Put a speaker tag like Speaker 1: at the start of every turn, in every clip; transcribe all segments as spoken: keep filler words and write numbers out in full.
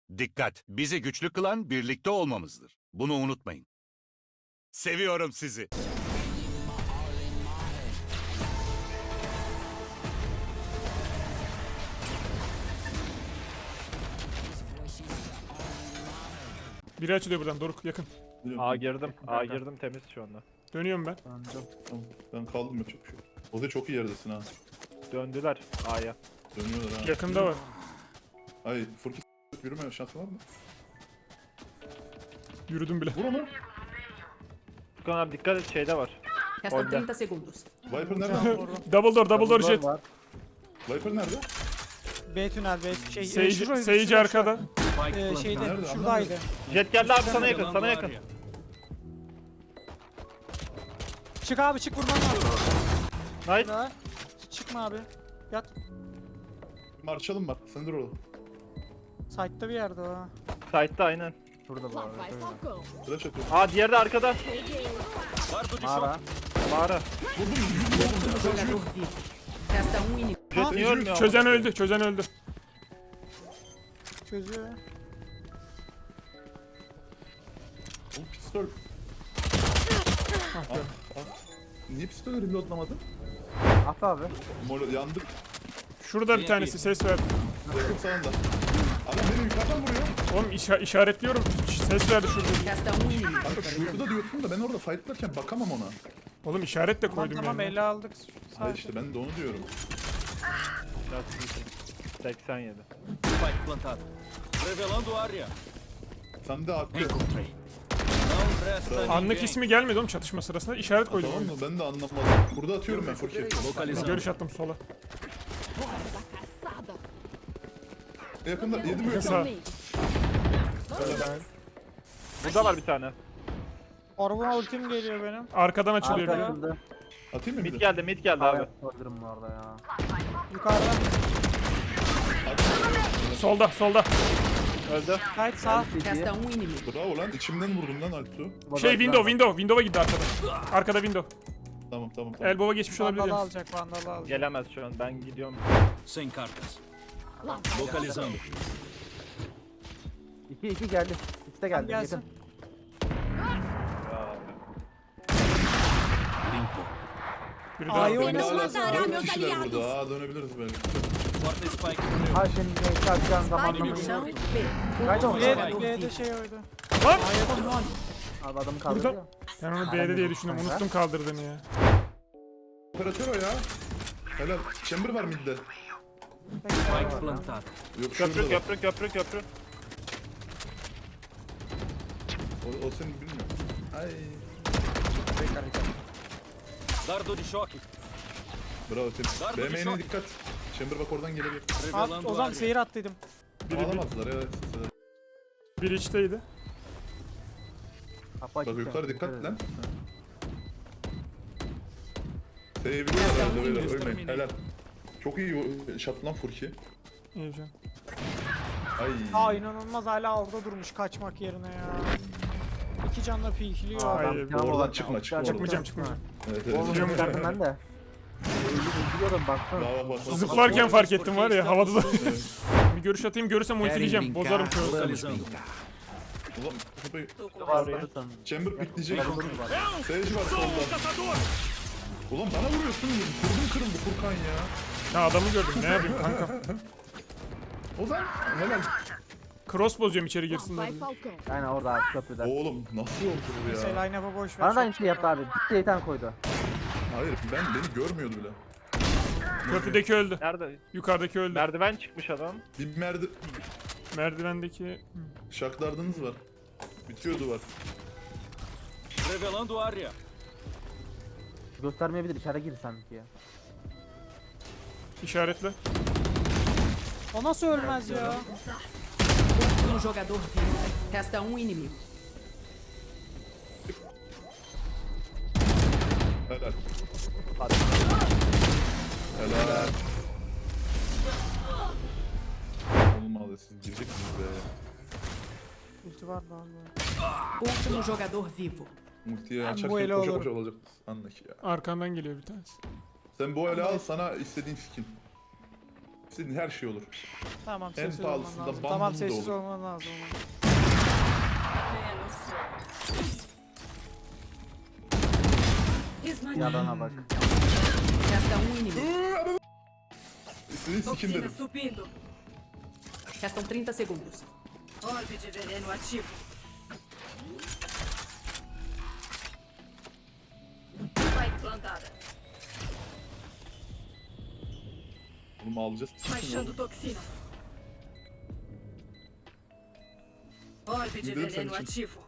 Speaker 1: Dikkat! Bizi güçlü kılan birlikte olmamızdır. Bunu unutmayın. Seviyorum sizi.
Speaker 2: Biri açılıyor buradan. Doruk yakın.
Speaker 3: A girdim. A girdim temiz şu anda.
Speaker 2: Dönüyorum ben.
Speaker 4: Tamam, ben kaldım yapacak bir şey yok. O da çok iyi yerdesin ha.
Speaker 3: Döndüler A'ya.
Speaker 4: Dönüyorlar ha.
Speaker 2: Yakında var.
Speaker 4: Ay Furki s*** yürüme şansı var mı?
Speaker 2: Yürüdüm bile.
Speaker 4: Vur onu.
Speaker 3: Furkan abi dikkat et şeyde var.
Speaker 5: Restam
Speaker 3: Olha.
Speaker 5: trinta segundos.
Speaker 4: Viper nerede?
Speaker 2: Double door, double door jet.
Speaker 6: Var.
Speaker 4: Viper nerede?
Speaker 7: B tünel B şey. e,
Speaker 2: Sage,
Speaker 7: şurayı-
Speaker 2: Sage
Speaker 7: şurayı-
Speaker 2: arkada.
Speaker 7: E, şeyde
Speaker 4: Nerede?
Speaker 7: şuradaydı.
Speaker 3: Jet geldi abi sana yakın sana yakın.
Speaker 7: Çık abi çık vurman lazım.
Speaker 3: Nice.
Speaker 7: Daha. Çıkma abi. Yat.
Speaker 4: Marşalım var. Sen dur orada.
Speaker 7: Site'da bir yerde o ha.
Speaker 3: Side'da aynen.
Speaker 6: Şurada bu arada. şöyle.
Speaker 4: Flash atıyorum.
Speaker 3: Aa diğeri de arkada.
Speaker 6: Mağara.
Speaker 3: Mağara.
Speaker 5: Jogador vivo. Resta um inimigo.
Speaker 3: Jet niye ölmüyor?
Speaker 2: Çözen öldü, çözen öldü.
Speaker 7: Çözüyor.
Speaker 4: Oğlum pistol. Ah, ah. Niye pistolü reloadlamadın?
Speaker 6: At abi.
Speaker 4: Mol yandık.
Speaker 2: Şurada bir tanesi ses verdi.
Speaker 4: Yakın sağında. Adam beni yukarıdan vuruyor.
Speaker 2: Oğlum işa işaretliyorum. Ses verdi şurada.
Speaker 5: Resta um inimigo.
Speaker 4: Kanka şurada diyorsun da ben orada fightlarken bakamam ona.
Speaker 2: Oğlum işaret de
Speaker 7: Tamam
Speaker 2: koydum
Speaker 7: tamam
Speaker 2: yani.
Speaker 7: ele aldık.
Speaker 4: Ha
Speaker 7: Sadece.
Speaker 4: işte ben de onu diyorum.
Speaker 3: seksen yedi.
Speaker 8: Spike plantado. Revelando área.
Speaker 4: Sen de haklı.
Speaker 8: Encontrei. Não resta
Speaker 2: Anlık
Speaker 8: ninguém.
Speaker 2: ismi gelmedi oğlum çatışma sırasında. İşaret koydum.
Speaker 4: Tamam
Speaker 2: Oğlum.
Speaker 4: mı? Ben de anlamadım. Burada atıyorum ben Furki.
Speaker 8: Localizando.
Speaker 2: Görüş attım sola.
Speaker 4: Yakında yedi mi yakın?
Speaker 2: Sağ.
Speaker 3: Burada var bir tane.
Speaker 7: Arabama ultim geliyor benim.
Speaker 2: Arkadan açılıyor
Speaker 6: Arka
Speaker 2: biri.
Speaker 6: açıldı.
Speaker 4: Atayım mı bir
Speaker 3: Mid
Speaker 4: de?
Speaker 3: geldi mid geldi abi.
Speaker 6: Abi. Öldürüm bu arada ya.
Speaker 7: Yukarıda.
Speaker 2: Solda, solda.
Speaker 3: Öldü.
Speaker 7: Site sağ.
Speaker 5: Resta um inimigo.
Speaker 4: Bravo lan içimden vurdum lan Alptu.
Speaker 2: Şey window, window. Window'a gitti arkada. Arkada window.
Speaker 4: Tamam tamam tamam.
Speaker 2: Elbow'a geçmiş olabilir.
Speaker 7: Vandalı
Speaker 2: yani.
Speaker 7: alacak vandalı alacak.
Speaker 3: Gelemez şu an ben gidiyorum.
Speaker 8: Sem cartas. Localizando.
Speaker 6: İki iki geldi. İkisi de geldi.
Speaker 7: Gelsin.
Speaker 6: Yakın.
Speaker 8: Limpo.
Speaker 2: Biri
Speaker 7: A'yı
Speaker 2: daha.
Speaker 7: oynasın.
Speaker 4: Hala
Speaker 5: matar a
Speaker 4: dört
Speaker 5: meus
Speaker 4: kişiler
Speaker 5: aliados.
Speaker 4: burada. Aa dönebiliriz belki.
Speaker 8: Quarta spike no meu.
Speaker 6: Ha şimdi neyse atacağım zamanla
Speaker 5: Spike
Speaker 6: mı?
Speaker 5: no chão. B.
Speaker 6: Kaydı mı?
Speaker 7: B'de
Speaker 5: Jogador
Speaker 7: B'de
Speaker 5: vivo.
Speaker 7: şey oydu.
Speaker 2: Lan!
Speaker 6: Abi adamı kaldırdı ya.
Speaker 2: Ben onu B'de diye düşündüm. Unuttum kaldırdığını ya.
Speaker 4: Operatör o ya. Helal. Chamber var midde.
Speaker 8: Spike plantado.
Speaker 4: Yok
Speaker 3: Köprü
Speaker 4: şurada da.
Speaker 3: köprü köprü köprü.
Speaker 4: O, o seni bilmiyor. Ay.
Speaker 8: Dardo de choque.
Speaker 4: Bravo Tim.
Speaker 8: Darbe
Speaker 4: B M'ye
Speaker 8: şok.
Speaker 4: dikkat. Chamber bak oradan gelebilir.
Speaker 7: At,
Speaker 8: Revelando
Speaker 7: o zaman
Speaker 8: área.
Speaker 7: seyir attıydım.
Speaker 4: Bağlamazlar evet.
Speaker 2: Biri içteydi.
Speaker 6: Kapı
Speaker 4: Bak
Speaker 6: açık.
Speaker 4: yukarı dikkat lan. Sevebiliyorlar herhalde beyler. Ölmeyin. Helal. Çok iyi shot lan Furki.
Speaker 2: İyi can.
Speaker 4: Ay.
Speaker 7: Aa inanılmaz hala orada durmuş kaçmak yerine ya. İki canla pikliyor.
Speaker 6: Aa,
Speaker 2: Ay,
Speaker 6: adam
Speaker 4: oradan
Speaker 6: oradan
Speaker 4: çıkma, çıkma
Speaker 2: Çıkmayacağım, çıkmayacağım.
Speaker 4: Evet evet.
Speaker 6: Oğlum
Speaker 2: Biliyorum.
Speaker 6: gördüm ben de. Üzülüyorum baksana.
Speaker 4: Bak bak bak.
Speaker 2: Zıplarken fark ettim var ya havada da.
Speaker 4: Evet.
Speaker 2: Bir görüş atayım görürsem ultileyeceğim. Bozarım çoğu.
Speaker 8: Localizando.
Speaker 4: Ulan kapıyı.
Speaker 6: Vardı sanırım.
Speaker 4: Chamber bitleyecek.
Speaker 6: Double var.
Speaker 4: Sage var solda. Ulan bana vuruyorsun. Kurdum kırıldı Furkan ya.
Speaker 2: Ha adamı gördüm ne yapayım kanka.
Speaker 4: Ozan helal.
Speaker 2: Cross bozuyorum içeri girsinler.
Speaker 5: Vai, Falcão.
Speaker 6: Aynen orada abi köprüde.
Speaker 4: Oğlum nasıl oldu bu
Speaker 7: Neyse
Speaker 4: ya?
Speaker 7: line-up'a boş ver.
Speaker 6: Bana da
Speaker 7: çok
Speaker 6: aynı şey yaptı abi. Bitti yeter koydu.
Speaker 4: Hayır ben beni görmüyordu bile.
Speaker 2: Köprüdeki öldü.
Speaker 3: Nerede?
Speaker 2: Yukarıdaki öldü.
Speaker 3: Merdiven çıkmış adam.
Speaker 4: Bir merdi
Speaker 2: Merdivendeki
Speaker 4: şaklardınız var. Bitiyor duvar.
Speaker 8: Revelando área.
Speaker 6: Göstermeyebilir içeri gir sanki ya.
Speaker 2: işaretle.
Speaker 7: O nasıl ölmez ya?
Speaker 5: Último jogador vivo. Resta um inimigo.
Speaker 4: Helal. Helal. Olmadı siz girecek misiniz be?
Speaker 7: Ulti var daha böyle.
Speaker 5: Último jogador vivo.
Speaker 4: Multiye
Speaker 7: Ben bu
Speaker 4: açarken
Speaker 7: ele
Speaker 4: koşa
Speaker 7: alırım.
Speaker 4: koşa olacak. Anla ki ya.
Speaker 2: Arkandan geliyor bir tanesi.
Speaker 4: Sen bu ele al sana istediğin skin. İstediğin her şey olur.
Speaker 7: Tamam
Speaker 4: En
Speaker 7: sessiz olman
Speaker 4: pahalısında
Speaker 7: lazım.
Speaker 4: bambum
Speaker 7: Tamam
Speaker 4: da
Speaker 7: sessiz
Speaker 4: olur.
Speaker 7: olman lazım.
Speaker 6: Yalana bak.
Speaker 5: Resta um inimigo.
Speaker 4: İstediğin sikim dedim.
Speaker 5: subindo. Restam trinta segundos.
Speaker 9: Orbe de veneno ativo. Spike plantada.
Speaker 4: Bunu alacağız.
Speaker 9: Baixando toxinas. Orbe de
Speaker 4: İndirim
Speaker 9: veneno
Speaker 4: sen için.
Speaker 9: ativo.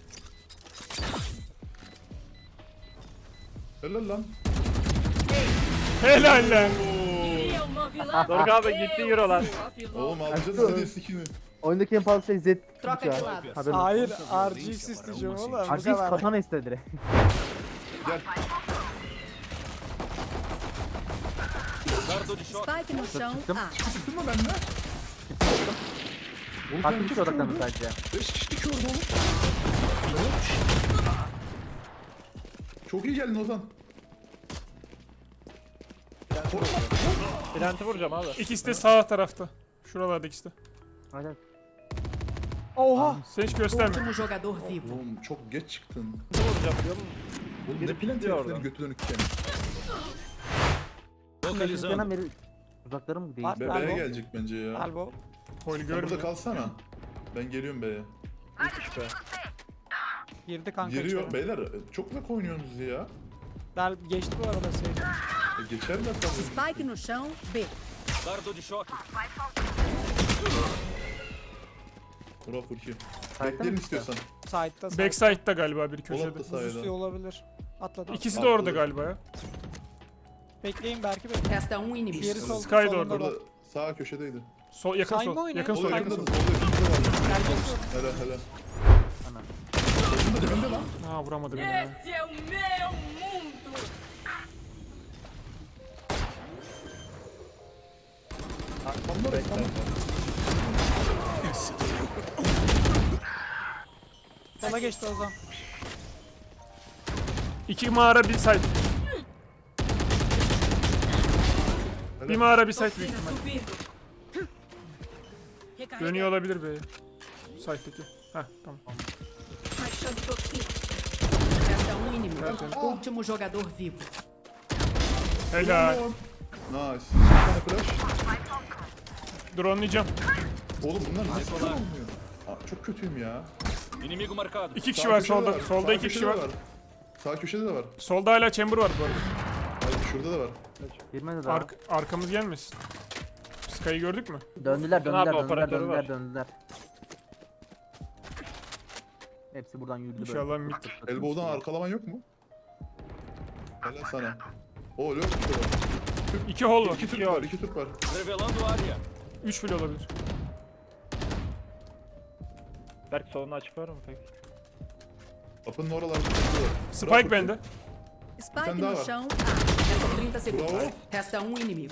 Speaker 4: Helal lan.
Speaker 2: Helal lan.
Speaker 9: Queria uma vilã.
Speaker 3: Doruk abi gitti euro lan.
Speaker 4: Oğlum alacağız istediğin sikini.
Speaker 6: Oyundaki en pahalı şey Z.
Speaker 5: Troca de lado.
Speaker 6: Haberin
Speaker 7: Hayır
Speaker 6: olsun.
Speaker 7: R G X isteyeceğim oğlum. Bu
Speaker 6: R G X
Speaker 7: kadar.
Speaker 6: katana istedi direkt.
Speaker 4: Gel.
Speaker 8: Dardo de choque.
Speaker 5: Spike no chão.
Speaker 6: Çıktım.
Speaker 5: A.
Speaker 4: Çıktın mı benden? Oğlum
Speaker 6: Farklı
Speaker 4: ben
Speaker 6: bir
Speaker 4: iki
Speaker 6: şey
Speaker 4: kişi
Speaker 6: odaklandı
Speaker 4: orada.
Speaker 6: sadece.
Speaker 4: Beş kişilik orada oğlum. Çok iyi geldin Ozan.
Speaker 3: Plant'i vuracağım abi.
Speaker 2: İkisi de sağ tarafta. Şuralarda ikisi de.
Speaker 6: Hadi.
Speaker 7: Oha.
Speaker 2: Sen hiç gösterme.
Speaker 5: Último jogador vivo.
Speaker 4: Oğlum çok geç çıktın.
Speaker 3: Ne vuracağım biliyor musun?
Speaker 4: Oğlum
Speaker 3: Biri
Speaker 4: ne plan
Speaker 3: gidiyor
Speaker 4: heriflerin
Speaker 3: oradan.
Speaker 4: götü dönükken.
Speaker 8: Localizando.
Speaker 6: Hemen beri uzaklarım mı değil?
Speaker 7: Var.
Speaker 4: Be
Speaker 7: Elbow.
Speaker 4: B'ye gelecek bence ya.
Speaker 7: Elbow.
Speaker 2: Hol
Speaker 4: Sen burada
Speaker 2: görmüyor.
Speaker 4: kalsana. Ben geliyorum B'ye.
Speaker 3: Müthiş be.
Speaker 7: Girdi kanka
Speaker 4: Giriyor.
Speaker 7: içeri.
Speaker 4: Beyler çok uzak oynuyorsunuz ya.
Speaker 7: Del geçti bu arada Sage.
Speaker 4: E, geçerler tabii.
Speaker 5: Spike no chão. B.
Speaker 8: Dardo de choque.
Speaker 4: Burak Furki.
Speaker 6: Sayda
Speaker 4: Bekleyelim
Speaker 6: mı?
Speaker 4: istiyorsan.
Speaker 7: Side'da side.
Speaker 2: Backside'da galiba bir
Speaker 4: Polat
Speaker 2: köşede.
Speaker 4: da sayede.
Speaker 7: Buzüstü olabilir. Atladı.
Speaker 2: İkisi de orada galiba ya.
Speaker 7: Bekleyin belki bekleyin.
Speaker 5: Resta um inimigo.
Speaker 7: Diğeri sol.
Speaker 2: Sky da
Speaker 7: solunda
Speaker 2: orada.
Speaker 7: bak.
Speaker 4: Burada sağ köşedeydi.
Speaker 2: Sol, yakın
Speaker 7: Sayma
Speaker 2: sol.
Speaker 7: oyunu.
Speaker 2: Yakın
Speaker 4: Sol
Speaker 2: sol,
Speaker 4: yakında
Speaker 2: yakın
Speaker 4: da
Speaker 2: sol.
Speaker 4: solda yakında var.
Speaker 7: Gel gel sol.
Speaker 4: Hele hele.
Speaker 6: Ana.
Speaker 4: Solunda dibinde lan.
Speaker 2: Ha vuramadı beni ya.
Speaker 9: Esse é o meu mundo.
Speaker 4: Arkamda reklam.
Speaker 7: Sola geçti o zaman.
Speaker 2: İki mağara bir site. Bir mağara bir site büyük ihtimal.
Speaker 9: Subindo.
Speaker 2: Dönüyor olabilir be. Site'deki. Heh tamam.
Speaker 9: Baixando toxinas.
Speaker 5: Resta um inimigo. Último jogador vivo.
Speaker 2: Helal.
Speaker 4: Nice. Bir tane flash.
Speaker 2: Drone'layacağım.
Speaker 4: Oğlum bunlar nasıl olmuyor? Aa, çok kötüyüm ya.
Speaker 8: Inimigo marcado.
Speaker 2: İki kişi
Speaker 4: Sağ
Speaker 2: var
Speaker 4: köşede
Speaker 2: solda.
Speaker 4: var,
Speaker 2: Solda
Speaker 4: sağ
Speaker 2: iki kişi
Speaker 4: köşede
Speaker 2: var.
Speaker 4: de Sağ köşede de var.
Speaker 2: Solda hala chamber var bu arada.
Speaker 4: Hayır şurada da var.
Speaker 6: Girmedi daha.
Speaker 2: Ark arkamız gelmesin. Sky'ı gördük mü?
Speaker 6: Döndüler,
Speaker 3: Ozan
Speaker 6: döndüler,
Speaker 3: abi
Speaker 6: döndüler,
Speaker 3: operatörü
Speaker 6: döndüler,
Speaker 3: var.
Speaker 6: döndüler. Hepsi buradan yürüdü böyle.
Speaker 2: İnşallah mid.
Speaker 4: Elbow'dan arkalaman yok mu? Helal sana. Oo lök işte var.
Speaker 2: İki hol var.
Speaker 4: İki Türk var, iki Türk var.
Speaker 8: Revelando área.
Speaker 2: Üç bile olabilir.
Speaker 3: Berk solunu açık var mı peki?
Speaker 4: Kapının oralarda Türk var.
Speaker 2: Spike bende.
Speaker 5: Spike
Speaker 4: Sen
Speaker 5: no
Speaker 4: daha var.
Speaker 5: chão. A. Restam trinta segundos.
Speaker 4: Bravo.
Speaker 5: Resta um inimigo.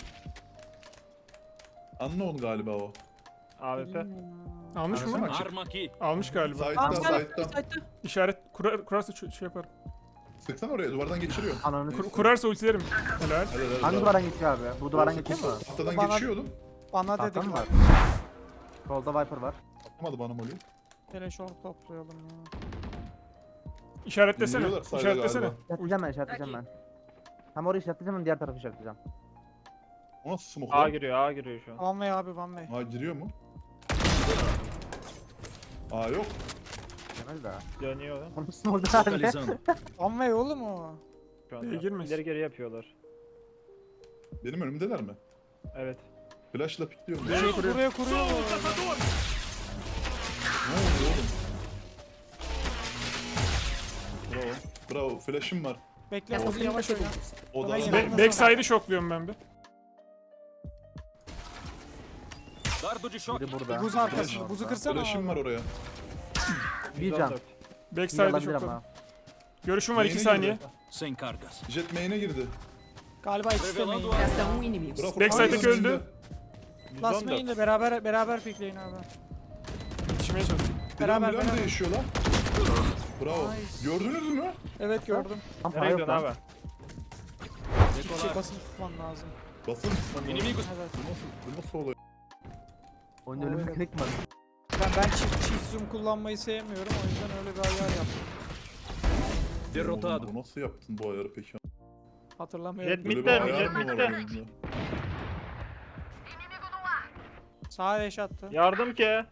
Speaker 4: Unknown galiba o.
Speaker 3: A W P.
Speaker 2: Almış
Speaker 4: Arasana
Speaker 2: mı?
Speaker 4: açık.
Speaker 8: Arma aqui.
Speaker 2: Almış galiba.
Speaker 4: Side'dan,
Speaker 7: Tamam gel.
Speaker 4: side'dan.
Speaker 7: Side'da.
Speaker 2: İşaret kurar, kurarsa ç- şey yaparım.
Speaker 4: Sıksana oraya, duvardan geçiriyor.
Speaker 6: Ananı
Speaker 2: Kur-
Speaker 6: s**eyim.
Speaker 2: kurarsa ultilerim. Helal.
Speaker 4: Helal helal.
Speaker 6: Hangi duvardan geçiyor abi? Bu duvardan geçiyor mu?
Speaker 4: Tahtadan
Speaker 7: Bana-
Speaker 4: geçiyordum.
Speaker 7: Bana
Speaker 6: Tahta
Speaker 7: dedim
Speaker 6: mı var? Solda Viper var.
Speaker 4: Atamadı bana molly.
Speaker 7: Teleşor toplayalım ya.
Speaker 2: İşaretlesene.
Speaker 4: İndiriyorlar sayda
Speaker 2: İşaretlesene.
Speaker 4: galiba.
Speaker 6: İşaretleyeceğim ben, işaretleyeceğim ben. Hem orayı işaretleyeceğim hem diğer tarafı işaretleyeceğim.
Speaker 4: O nasıl smoke
Speaker 3: A
Speaker 4: lan?
Speaker 3: giriyor, A giriyor şu an.
Speaker 7: One way abi one way.
Speaker 4: Aa giriyor mu? Aa yok.
Speaker 6: Demez daha.
Speaker 3: Dönüyor lan.
Speaker 6: Onun üstüne orada abi.
Speaker 8: Localizando.
Speaker 7: One way oğlum o.
Speaker 3: Şu
Speaker 2: B'ye
Speaker 3: anda.
Speaker 2: girmez.
Speaker 3: İleri geri yapıyorlar.
Speaker 4: Benim önümdeler mi?
Speaker 3: Evet.
Speaker 4: Flash'la pikliyorum.
Speaker 2: B'ye kuruyor.
Speaker 7: Buraya kuruyor.
Speaker 4: Ne oldu oğlum? Bravo. Bravo. Flash'ım var.
Speaker 7: Bekle
Speaker 5: Restam
Speaker 7: Ozi
Speaker 5: trinta
Speaker 7: yavaş oyna.
Speaker 5: segundos.
Speaker 4: O da
Speaker 7: Kolay
Speaker 4: var.
Speaker 7: gelsin.
Speaker 2: Be- Backside'ı şokluyorum ben bir.
Speaker 8: Dardo de choque.
Speaker 6: Biri burada.
Speaker 7: Buz arkasında. Buzu kırsana
Speaker 4: Flash'ım var
Speaker 7: abi.
Speaker 4: oraya.
Speaker 6: Bir can.
Speaker 3: yüz on dört.
Speaker 6: Bir
Speaker 2: Backside'ı
Speaker 6: olabilir
Speaker 2: şokladım.
Speaker 6: ama.
Speaker 2: Görüşüm var iki
Speaker 4: Neyine
Speaker 2: saniye.
Speaker 4: girdi?
Speaker 8: Sem cargas.
Speaker 4: Jet main'e girdi.
Speaker 7: Galiba ikisi de main.
Speaker 8: Revelando área.
Speaker 5: Resta um inimigo.
Speaker 4: Bravo.
Speaker 2: Backside'deki
Speaker 4: Hayır,
Speaker 2: öldü.
Speaker 4: önünde.
Speaker 7: Last
Speaker 3: yüz on dört.
Speaker 7: main'le beraber beraber pikleyin abi.
Speaker 2: Yetişmeye çalışıyorum.
Speaker 4: Beraber
Speaker 7: Beraber,
Speaker 4: beraber
Speaker 7: beraber.
Speaker 4: değişiyor lan. Bravo. Gördünüz mü?
Speaker 7: Evet gördüm.
Speaker 6: Tam para
Speaker 3: Nereye
Speaker 6: yok
Speaker 3: gidiyorsun
Speaker 6: lan.
Speaker 3: abi?
Speaker 7: Bir şey basılı tutman lazım.
Speaker 4: Basın mısın?
Speaker 8: Inimigo.
Speaker 7: Evet.
Speaker 4: Bu nasıl, bu nasıl oluyor?
Speaker 6: Oyunda öyle bir
Speaker 7: Evet.
Speaker 6: mekanik mi var?
Speaker 7: Ben, ben çift, çift zoom kullanmayı sevmiyorum. O yüzden öyle bir ayar yaptım.
Speaker 8: Derrotado.
Speaker 4: Oğlum, bu nasıl yaptın bu ayarı peki?
Speaker 7: Hatırlamıyorum.
Speaker 3: Jet
Speaker 4: Böyle
Speaker 3: midde,
Speaker 4: bir ayar
Speaker 3: jet
Speaker 4: mı var
Speaker 3: midde.
Speaker 4: oyunda?
Speaker 7: Sağa eş attı.
Speaker 3: Yardım ki.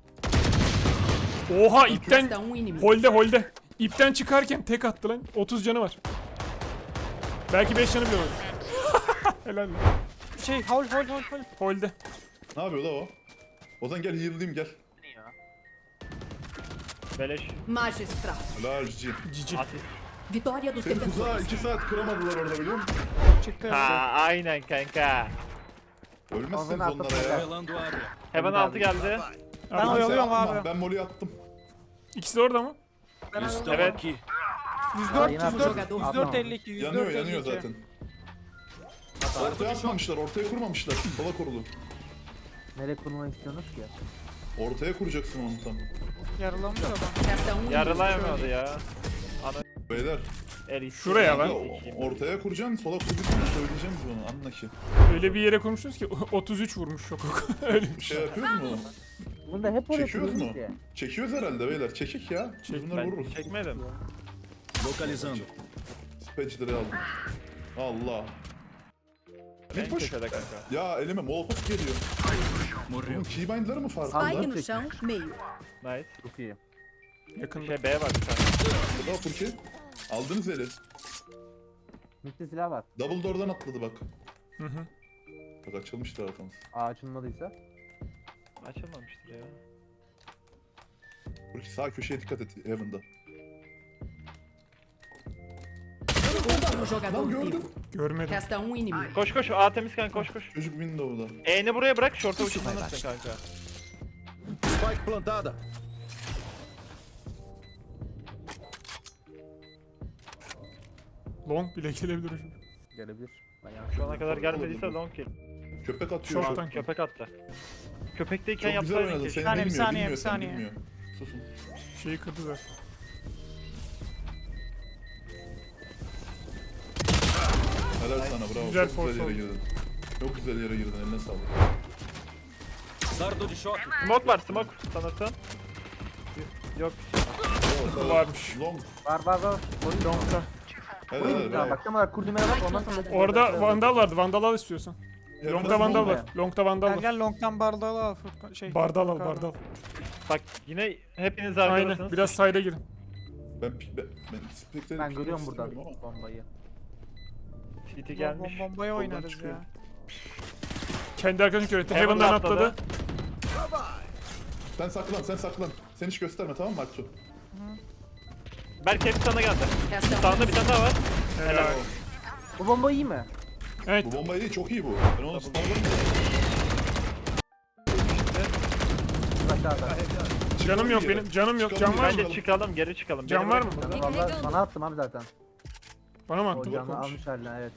Speaker 2: Oha ipten
Speaker 5: Resta um inimigo.
Speaker 2: holde holde. İpten çıkarken tek attı lan. otuz canı var. Belki beş canı bile var. Helal lan.
Speaker 7: Şey, hol hol hol hol.
Speaker 2: Holde.
Speaker 4: Ne yapıyor la o? Ozan gel heal'layım gel.
Speaker 3: Beleş.
Speaker 5: Magistral.
Speaker 4: Helal cici.
Speaker 2: Cici.
Speaker 3: Asist.
Speaker 5: Vitória dos
Speaker 4: Seni tuzağa
Speaker 5: defensores.
Speaker 4: iki saat kıramadılar orada biliyor musun?
Speaker 7: Çıktı.
Speaker 3: Ha aynen kanka.
Speaker 4: Ölmezseniz
Speaker 6: Ozan
Speaker 4: onlara
Speaker 6: atladı.
Speaker 4: ya.
Speaker 8: Revelando área.
Speaker 3: Heaven altı geldi.
Speaker 7: Ben
Speaker 2: Abi,
Speaker 7: oyalıyorum
Speaker 4: Sen atma,
Speaker 7: abi.
Speaker 4: Ben molly attım.
Speaker 2: İkisi de orada mı?
Speaker 8: Estou
Speaker 3: Evet.
Speaker 8: aqui.
Speaker 7: yüz
Speaker 6: Aa,
Speaker 7: dört,
Speaker 6: yine
Speaker 7: yüz dört,
Speaker 6: atladı.
Speaker 7: yüz dört elli iki, yüz dört
Speaker 4: Yanıyor
Speaker 7: elli
Speaker 4: yanıyor
Speaker 7: iki.
Speaker 4: zaten. Ortaya atmamışlar, ortaya kurmamışlar. Sola kurulu.
Speaker 6: Nereye kurmak istiyorsunuz ki?
Speaker 4: Ortaya kuracaksın onu tam.
Speaker 7: Yarılamış adam.
Speaker 5: Resta um inimigo.
Speaker 3: Yarılayamadı ya.
Speaker 4: Beyler.
Speaker 3: El
Speaker 2: Şuraya lan.
Speaker 4: o- Ortaya kuracaksın, sola kuracaksın. Söyleyeceğim biz onu, anla ki.
Speaker 2: Öyle bir yere kurmuşsunuz ki otuz üç vurmuş şok. Öyle
Speaker 4: Bir şey yapıyoruz mu?
Speaker 6: Bunda hep öyle
Speaker 4: Çekiyoruz
Speaker 6: kuruyoruz
Speaker 4: mu?
Speaker 6: ki.
Speaker 4: Çekiyoruz herhalde beyler, çekik ya. Biz
Speaker 2: Çek-
Speaker 4: bunları
Speaker 3: Ben
Speaker 4: vururuz.
Speaker 3: çekmedim.
Speaker 8: Localizando.
Speaker 4: Spatchler'ı aldım. Allah.
Speaker 3: En
Speaker 4: Bir push.
Speaker 3: köşede kanka.
Speaker 4: Ya elime molotof geliyor.
Speaker 8: Morreu.
Speaker 4: Bunun keybind'ları mı farklı?
Speaker 5: Spike
Speaker 6: Aldım.
Speaker 5: no chão, meio.
Speaker 3: Nice.
Speaker 6: Çok iyi.
Speaker 2: yakında.
Speaker 3: Şey B var bir tane.
Speaker 4: Burada Furki. Aldınız eli.
Speaker 6: Mitte silah var.
Speaker 4: Double door'dan atladı bak.
Speaker 2: Hı hı.
Speaker 4: Bak açılmış tarafımız.
Speaker 6: Aa açılmadıysa.
Speaker 3: Açılmamıştır ya.
Speaker 4: Furki sağ köşeye dikkat et Heaven'da.
Speaker 5: Último jogador
Speaker 4: Lan
Speaker 5: vivo.
Speaker 4: gördüm.
Speaker 2: Görmedim.
Speaker 5: Resta um inimigo.
Speaker 3: Koş koş A temiz kanka koş koş.
Speaker 4: Çocuk window'da.
Speaker 3: E'ni buraya bırak short'a uçurmanırsın kanka.
Speaker 8: Spike plantada.
Speaker 2: Long bile gelebilir hocam.
Speaker 6: Gelebilir. Ben yanlış.
Speaker 3: Şu ana kadar gelmediyse long kill.
Speaker 4: Köpek atıyor.
Speaker 2: Short'tan.
Speaker 3: Köpek attı. Köpekteyken
Speaker 4: Çok güzel
Speaker 3: yapsaydın
Speaker 4: oynadı.
Speaker 3: keşke.
Speaker 4: Seni
Speaker 7: saniye, bir
Speaker 4: bilmiyor,
Speaker 7: saniye,
Speaker 4: bilmiyor,
Speaker 7: bir
Speaker 4: seni
Speaker 7: saniye.
Speaker 4: bilmiyor. Susun.
Speaker 2: Şeyi kırdı zaten.
Speaker 4: Helal sana bravo.
Speaker 2: Güzel
Speaker 4: Çok
Speaker 2: force
Speaker 4: güzel yere
Speaker 2: oldu.
Speaker 4: girdin. Çok güzel yere girdin eline sağlık.
Speaker 8: Dardo de choque.
Speaker 3: Smoke var smoke sanırsam. Yok.
Speaker 4: Bravo,
Speaker 2: Varmış.
Speaker 4: Long.
Speaker 6: Var var var. Oyun
Speaker 2: Long'da.
Speaker 4: Helal
Speaker 6: Oyun
Speaker 4: helal.
Speaker 6: ya bak tam olarak kurdumere bak ondan sonra.
Speaker 2: Orada vandal vardı. Vandal al istiyorsan.
Speaker 4: Heaven'da
Speaker 2: Long'da vandal
Speaker 4: smoke
Speaker 2: var. Long'da vandal
Speaker 7: Gel
Speaker 2: var.
Speaker 7: gel long'dan bardağı al Furkan. Şey,
Speaker 2: Bardal al
Speaker 7: Furkan.
Speaker 2: bardal.
Speaker 3: Bak yine hepiniz
Speaker 2: Aynen.
Speaker 3: arkadasınız.
Speaker 2: Biraz side'a girin.
Speaker 4: Ben ben ben Spectre'yi
Speaker 6: Ben görüyorum buradan
Speaker 4: istemiyorum ama.
Speaker 6: bombayı.
Speaker 3: T T
Speaker 7: Bom-
Speaker 3: gelmiş.
Speaker 7: bom- Bombaya
Speaker 4: Soldan
Speaker 7: oynarız
Speaker 4: çıkıyor.
Speaker 7: ya.
Speaker 2: Kendi arkadaşını kör etti.
Speaker 3: Heaven'dan
Speaker 2: Heaven'dan atladı.
Speaker 3: atladı.
Speaker 4: Sen saklan sen saklan. Sen hiç gösterme tamam mı Aksu?
Speaker 3: Berk hepsi sana geldi.
Speaker 5: Resta um
Speaker 3: Sağında bir tane daha var.
Speaker 2: Helal.
Speaker 6: Bu bomba iyi mi?
Speaker 2: Evet.
Speaker 4: Bu bomba iyi çok iyi bu. Ben onu stunladım.
Speaker 6: Aşağıda.
Speaker 2: Canım yok benim. Canım yok. Can var mı?
Speaker 3: Bence çıkalım geri çıkalım.
Speaker 2: Can
Speaker 3: Beni
Speaker 2: var mı?
Speaker 3: bırakın.
Speaker 6: Vallahi sana attım abi zaten.
Speaker 2: Bana mı
Speaker 6: O
Speaker 2: attın?
Speaker 6: canı almış haline evet.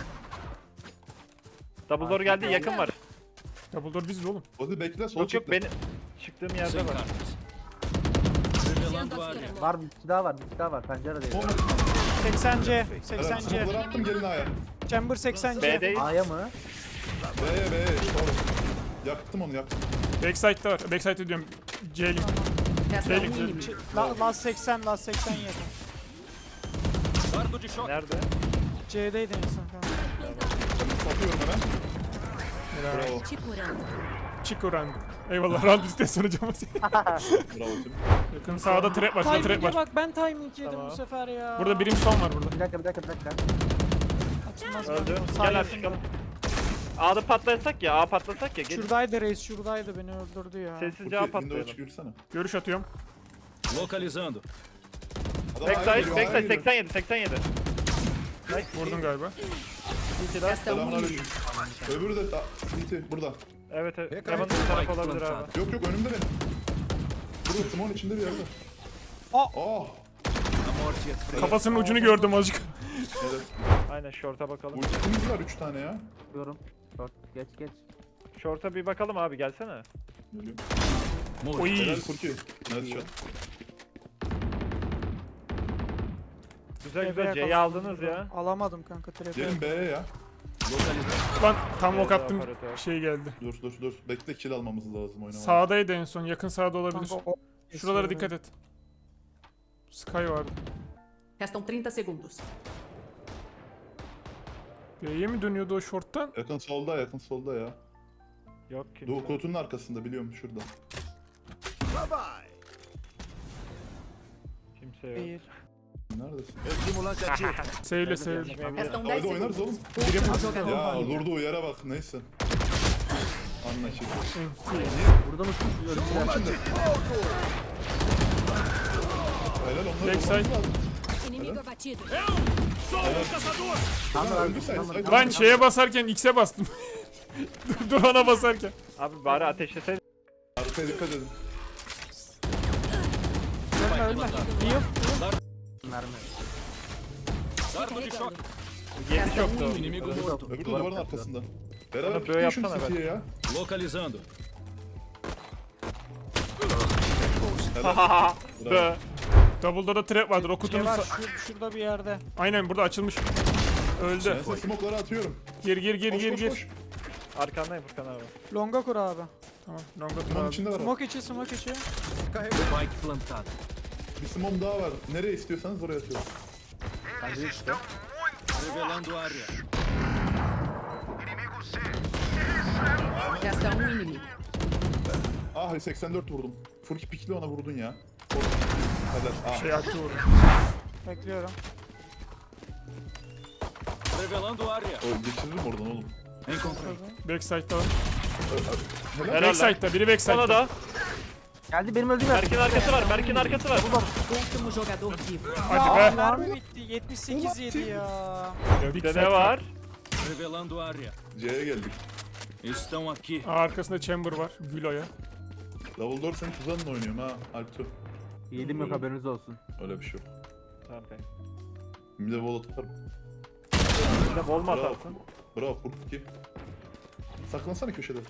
Speaker 3: Double door geldi yakın var.
Speaker 2: Double door biziz oğlum.
Speaker 4: Hadi bekle sol
Speaker 3: Yok yok
Speaker 4: çekle.
Speaker 3: benim çıktığım yerde
Speaker 8: Sem
Speaker 3: var.
Speaker 8: cartas. Revelando área.
Speaker 6: Var bir kişi daha var bir kişi daha var pencere değil.
Speaker 4: Bomba.
Speaker 7: seksen C,
Speaker 4: Evet,
Speaker 7: seksen C.
Speaker 4: smoke'ları attım gelin aya.
Speaker 7: Chamber seksen C.
Speaker 3: B'deyiz.
Speaker 6: A'ya mı?
Speaker 4: Be be doğru. Yaktım onu yaktım.
Speaker 2: Backside'da var. Backside'da diyorum. C-Link.
Speaker 5: Resta um
Speaker 2: C-Link.
Speaker 5: inimigo.
Speaker 7: La, last seksen, last seksen yedi.
Speaker 8: Dardo de choque.
Speaker 3: Nerede?
Speaker 7: C'deydin insan kanka.
Speaker 4: Ben satıyorum hemen.
Speaker 2: Helal.
Speaker 4: Bravo.
Speaker 5: Chipurando.
Speaker 2: Chico random. Eyvallah. Round istesin hocam.
Speaker 4: Bravo Tim.
Speaker 2: Yakın sağda trap var. Şurada trap
Speaker 7: Timing'e
Speaker 2: var.
Speaker 7: bak ben timing yedim
Speaker 3: Tamam.
Speaker 7: bu sefer ya.
Speaker 2: Burada birim son var burada.
Speaker 6: Bir dakika bir dakika bir dakika.
Speaker 7: Açılmaz
Speaker 3: Öldü.
Speaker 7: kanka. Sağ
Speaker 3: Gel
Speaker 7: yakın.
Speaker 3: artık çıkalım. A'da patlasak ya A patlasak ya. Gelin.
Speaker 7: Şuradaydı reis şuradaydı beni öldürdü ya.
Speaker 3: Sessizce A
Speaker 4: Furki window'a
Speaker 3: patlayalım.
Speaker 4: çık yürüsene.
Speaker 2: Görüş atıyorum.
Speaker 8: Localizando.
Speaker 4: Adam aya
Speaker 3: Backside,
Speaker 4: geliyor, aya
Speaker 3: backside
Speaker 4: geliyor.
Speaker 3: seksen yedi, seksen yedi.
Speaker 2: Vurdun galiba.
Speaker 5: Resta um
Speaker 4: Selamünaleyküm.
Speaker 5: inimigo.
Speaker 4: Öbürü de T T burada.
Speaker 3: Evet evet.
Speaker 8: Pekala.
Speaker 3: Heaven bir taraf
Speaker 8: Spike
Speaker 3: olabilir
Speaker 8: plantado.
Speaker 3: abi.
Speaker 4: Yok yok önümde benim. Burada Simon içinde bir yerde.
Speaker 7: Aa!
Speaker 4: Oh.
Speaker 8: A morte é fria.
Speaker 2: Kafasının ucunu gördüm azıcık.
Speaker 4: Evet.
Speaker 3: Aynen short'a bakalım.
Speaker 4: Ultimiz var üç tane ya.
Speaker 6: Diyorum. Dört geç geç.
Speaker 3: Short'a bir bakalım abi gelsene.
Speaker 8: Morreu.
Speaker 2: Oy.
Speaker 4: Helal Furki. Nice shot.
Speaker 3: Güzel
Speaker 7: Eve
Speaker 3: güzel C'yi
Speaker 7: yakaladım
Speaker 3: aldınız
Speaker 7: burada.
Speaker 3: ya.
Speaker 7: Alamadım kanka trap'i.
Speaker 4: Gelin B'ye ya.
Speaker 8: Localizando.
Speaker 2: Lan tam ok attım.
Speaker 3: Operatör.
Speaker 2: Şey geldi.
Speaker 4: Dur dur dur. Bekle kill almamız lazım oynamaya.
Speaker 2: Sağdaydı en son. Yakın sağda olabilir.
Speaker 7: Kanka o...
Speaker 2: Şuralara dikkat et. Sky vardı.
Speaker 5: Restam trinta segundos.
Speaker 2: B'ye mi dönüyordu o short'tan?
Speaker 4: Yakın solda yakın solda ya.
Speaker 3: Yok kimse.
Speaker 4: Doğu kutunun arkasında biliyorum şurada.
Speaker 3: Kimse yok.
Speaker 7: Bir.
Speaker 4: Neredesin?
Speaker 8: Estimulante ativo.
Speaker 2: Sevle sevle.
Speaker 5: Restam dez
Speaker 4: Hadi oynarız
Speaker 5: segundos.
Speaker 4: oğlum.
Speaker 5: Último jogador
Speaker 4: Ya
Speaker 5: vivo.
Speaker 4: durduğu yere bak neyse. Anlaşıldı.
Speaker 6: Burada mısın? Ölçüler.
Speaker 4: Helal onları
Speaker 2: Backside.
Speaker 4: vurmamız lazım.
Speaker 9: Inimigo abatido.
Speaker 4: Öldü say say.
Speaker 2: Lan şeye basarken X'e bastım. Dur ona basarken.
Speaker 3: Abi bari ateşleseydin.
Speaker 4: Arkaya dikkat edin.
Speaker 7: Ölme ölme. Heal.
Speaker 6: Mermi.
Speaker 8: Dardo de choque.
Speaker 3: Yedi çoktu.
Speaker 8: Inimigo morto.
Speaker 4: Öbür de duvarın arkasında. Beraber
Speaker 3: Bana böyle
Speaker 4: tutun şu
Speaker 3: yapsana
Speaker 4: City'ye ya.
Speaker 8: Localizando.
Speaker 4: Helal.
Speaker 3: Bö.
Speaker 2: Double'da da trap vardır. O
Speaker 7: Şey
Speaker 2: kutunun
Speaker 7: var
Speaker 2: sa-
Speaker 7: şur- şurada bir yerde.
Speaker 2: Aynen burada açılmış. Öldü.
Speaker 4: Ben size smoke'ları atıyorum.
Speaker 2: Gir gir gir
Speaker 4: Koş
Speaker 2: gir
Speaker 4: koş
Speaker 2: gir.
Speaker 4: koş.
Speaker 3: Arkandayım Furkan abi.
Speaker 7: Longa kur abi.
Speaker 2: Tamam. Longa dur
Speaker 4: Smoke
Speaker 2: abi.
Speaker 4: içinde var. o.
Speaker 7: Smoke içi smoke içi.
Speaker 8: Spike plantado.
Speaker 4: Bir smoke daha var. Nereye istiyorsanız oraya atıyorum.
Speaker 8: Revelando área.
Speaker 5: Resta um inimigo.
Speaker 4: Ah seksen dört vurdum. Furki pikli ona vurdun ya. Helal. Ah.
Speaker 2: Şey attı vurdu.
Speaker 7: Bekliyorum.
Speaker 8: Revelando área.
Speaker 4: O geçiririm oradan oğlum.
Speaker 8: Encontrei.
Speaker 2: Backside'da var.
Speaker 4: Helal.
Speaker 3: Helal lan.
Speaker 2: Backside'da biri
Speaker 3: Sana
Speaker 2: backside'da.
Speaker 3: da.
Speaker 6: Geldi benim öldüğüm yer.
Speaker 3: Berk'in arkası var. Berk'in arkası var.
Speaker 5: Último jogador vivo.
Speaker 2: Hadi
Speaker 7: Aa,
Speaker 2: be.
Speaker 7: mermi bitti. yetmiş sekiz yedi ya.
Speaker 2: Big
Speaker 3: Bir
Speaker 2: side
Speaker 3: de var.
Speaker 8: Revelando área.
Speaker 4: C'ye geldik.
Speaker 8: Estão aqui.
Speaker 2: Aa, arkasında chamber var. Gülo'ya.
Speaker 4: Double door senin tuzağınla oynuyorum ha. Alptu.
Speaker 6: Yiğidim yok haberiniz olsun.
Speaker 4: Öyle bir şey yok.
Speaker 3: Tamam kanka.
Speaker 4: Bir de wall atarım.
Speaker 3: Bir de bol mu
Speaker 4: Bravo.
Speaker 3: atarsın?
Speaker 4: Bravo Furki. Saklansana köşede.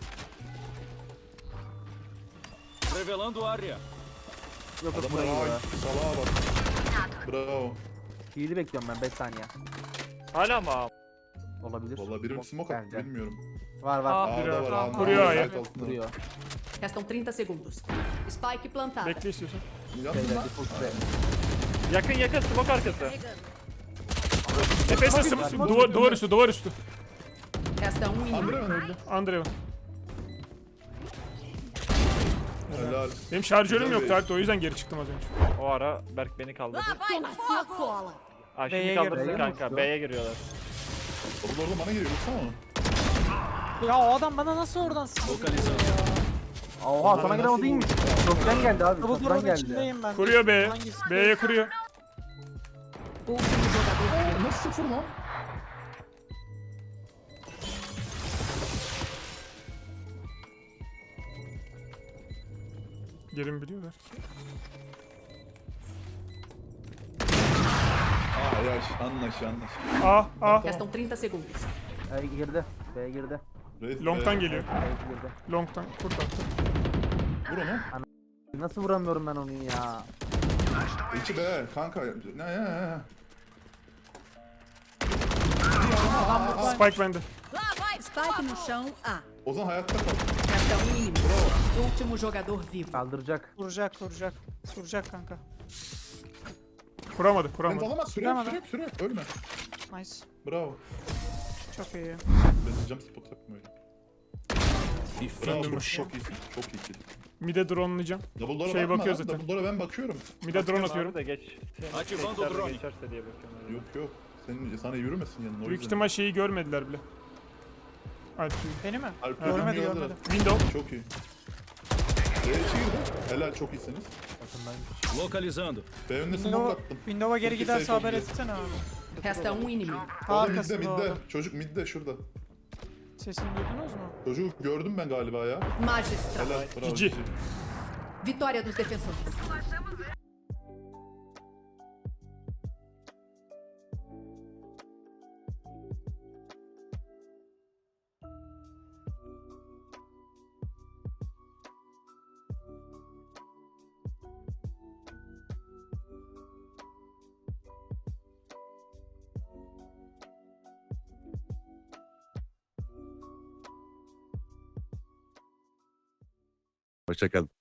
Speaker 8: Revelando área.
Speaker 6: Yok yok
Speaker 4: Adamlar
Speaker 6: buraya
Speaker 4: ay
Speaker 6: gidiyor.
Speaker 4: salağa bak. Bravo.
Speaker 6: Yiğidi bekliyorum ben beş saniye.
Speaker 3: Hala mı abi?
Speaker 6: Olabilir.
Speaker 4: Vallahi biri smoke attı
Speaker 6: Geldi.
Speaker 4: bilmiyorum.
Speaker 6: Var var.
Speaker 7: Aa,
Speaker 4: A'da var A'da.
Speaker 2: Kuruyor
Speaker 4: A'da,
Speaker 2: ya.
Speaker 4: site altında.
Speaker 6: Duruyor.
Speaker 5: Restam trinta segundos. Spike plantada.
Speaker 2: Bekle istiyorsan.
Speaker 4: Yalnız
Speaker 6: Şeyler
Speaker 4: lan.
Speaker 6: default süre.
Speaker 3: Yakın yakın smoke arkası.
Speaker 2: Tepesine smoke. Duvar, duvar üstü duvar üstü.
Speaker 5: Resta um inimigo.
Speaker 4: Andreven öldü.
Speaker 2: Andrevan.
Speaker 4: Helal.
Speaker 2: Benim şarjörüm
Speaker 4: Güzel
Speaker 2: yoktu
Speaker 4: bir-
Speaker 2: artık o yüzden geri çıktım az önce.
Speaker 3: O ara Berk beni kaldırdı.
Speaker 9: Toma sua cola.
Speaker 3: Aa
Speaker 7: B'ye
Speaker 3: şimdi
Speaker 7: gir-
Speaker 3: kaldırsın
Speaker 6: B'ye mi
Speaker 3: kanka.
Speaker 6: uçtu?
Speaker 3: B'ye giriyorlar.
Speaker 4: Double orada bana geliyor. Baksana onu.
Speaker 7: Ya o adam bana nasıl oradan sıkıyor
Speaker 8: Localizando.
Speaker 7: ya?
Speaker 6: Oha sana gelen o değilmiş. Çoktan geldi abi.
Speaker 7: Double
Speaker 6: Çoktan
Speaker 7: door'un
Speaker 6: geldi.
Speaker 7: içindeyim ben.
Speaker 2: Kuruyor B.
Speaker 7: Hangisi?
Speaker 2: B'ye kuruyor.
Speaker 5: Último jogador vivo.
Speaker 4: Nasıl sıfır lan?
Speaker 2: Yerim biliyorlar.
Speaker 4: Aa yaş anlaş anlaş.
Speaker 2: A A.
Speaker 5: Restam trinta segundos.
Speaker 6: E, girdi. B girdi.
Speaker 4: Reis
Speaker 2: Long'tan
Speaker 4: be.
Speaker 2: geliyor.
Speaker 6: B girdi.
Speaker 2: Long'tan kurt attı.
Speaker 4: Vur onu.
Speaker 6: Nasıl vuramıyorum ben onu ya?
Speaker 4: İki be kanka. Ne ne ne.
Speaker 2: Spike bende.
Speaker 9: Lá vai. Spike no chão. A.
Speaker 4: Ozan hayatta kal.
Speaker 5: Resta um inimigo. Último jogador vivo.
Speaker 6: Kaldıracak.
Speaker 7: Vuracak vuracak. Vuracak kanka.
Speaker 2: Kuramadı
Speaker 4: Ben
Speaker 2: kuramadı.
Speaker 4: alamaz süre
Speaker 7: Tamam,
Speaker 4: süre süre ölme.
Speaker 7: Nice.
Speaker 4: Bravo.
Speaker 7: Çok iyi.
Speaker 4: Ben jump spot yaptım öyle.
Speaker 8: E
Speaker 4: Bravo
Speaker 8: fim do
Speaker 4: Furki,
Speaker 8: chão.
Speaker 4: çok iyisin. Çok iyi kill.
Speaker 2: Mid'e drone'layacağım.
Speaker 4: Double door'a
Speaker 2: Şey
Speaker 4: bakma
Speaker 2: bakıyor
Speaker 4: lan,
Speaker 2: zaten.
Speaker 4: Double door'a ben bakıyorum.
Speaker 2: Mid'e drone atıyorum.
Speaker 3: Abi de geç. Senin
Speaker 8: Ativando
Speaker 3: tekrar
Speaker 8: drone.
Speaker 3: Geçerse diye bakıyorum.
Speaker 4: Yok yok. Senin sana yürümesin yanına o
Speaker 2: Büyük
Speaker 4: yüzden.
Speaker 2: ihtimal şeyi görmediler bile. Hadi.
Speaker 7: Beni mi?
Speaker 4: Alp
Speaker 2: Görmedi,
Speaker 4: görmedi
Speaker 7: görmedi.
Speaker 4: görmedi.
Speaker 2: Window.
Speaker 4: Çok iyi. B'ye girdi. Helal çok iyisiniz.
Speaker 8: Localizando.
Speaker 4: B önüne smoke
Speaker 7: Window'a
Speaker 4: attım.
Speaker 7: Window'a geri
Speaker 4: Çok iyi
Speaker 7: giderse
Speaker 4: safe
Speaker 7: haber
Speaker 4: oldu.
Speaker 7: etsene abi.
Speaker 5: Resta um inimigo.
Speaker 7: Ta
Speaker 4: O da midde
Speaker 7: arkasında o
Speaker 4: midde.
Speaker 7: adam.
Speaker 4: Çocuk midde şurada.
Speaker 7: Sesini duydunuz mu?
Speaker 4: Çocuğu gördüm ben galiba ya.
Speaker 5: Magistral.
Speaker 4: Helal. Bravo.
Speaker 2: Cici.
Speaker 5: Vitória dos defensores.
Speaker 1: Hoşçakalın.